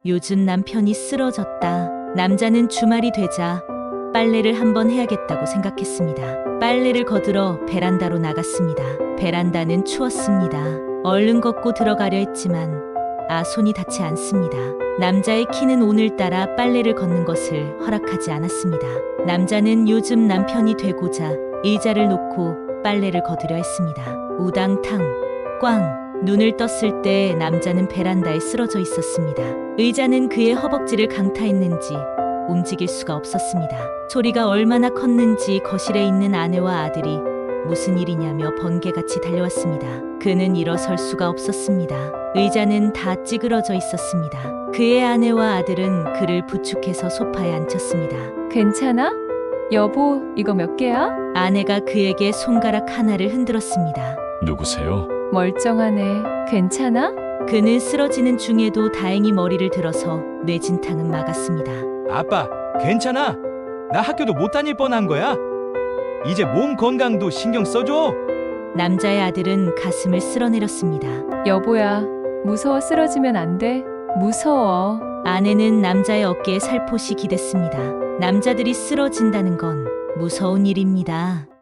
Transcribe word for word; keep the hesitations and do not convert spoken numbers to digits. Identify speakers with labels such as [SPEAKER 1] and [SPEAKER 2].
[SPEAKER 1] 요즘 남편이 쓰러졌다. 남자는 주말이 되자 빨래를 한번 해야겠다고 생각했습니다. 빨래를 거들어 베란다로 나갔습니다. 베란다는 추웠습니다. 얼른 걷고 들어가려 했지만 아 손이 닿지 않습니다. 남자의 키는 오늘따라 빨래를 걷는 것을 허락하지 않았습니다. 남자는 요즘 남편이 되고자 의자를 놓고 빨래를 거두려 했습니다. 우당탕 꽝. 눈을 떴을 때 남자는 베란다에 쓰러져 있었습니다. 의자는 그의 허벅지를 강타했는지 움직일 수가 없었습니다. 소리가 얼마나 컸는지 거실에 있는 아내와 아들이 무슨 일이냐며 번개같이 달려왔습니다. 그는 일어설 수가 없었습니다. 의자는 다 찌그러져 있었습니다. 그의 아내와 아들은 그를 부축해서 소파에 앉혔습니다.
[SPEAKER 2] 괜찮아? 여보, 이거 몇 개야?
[SPEAKER 1] 아내가 그에게 손가락 하나를 흔들었습니다.
[SPEAKER 3] 누구세요?
[SPEAKER 2] 멀쩡하네. 괜찮아?
[SPEAKER 1] 그는 쓰러지는 중에도 다행히 머리를 들어서 뇌진탕은 막았습니다.
[SPEAKER 4] 아빠, 괜찮아? 나 학교도 못 다닐 뻔한 거야. 이제 몸 건강도 신경 써줘.
[SPEAKER 1] 남자의 아들은 가슴을 쓸어내렸습니다.
[SPEAKER 2] 여보야, 무서워 쓰러지면 안 돼. 무서워.
[SPEAKER 1] 아내는 남자의 어깨에 살포시 기댔습니다. 남자들이 쓰러진다는 건 무서운 일입니다.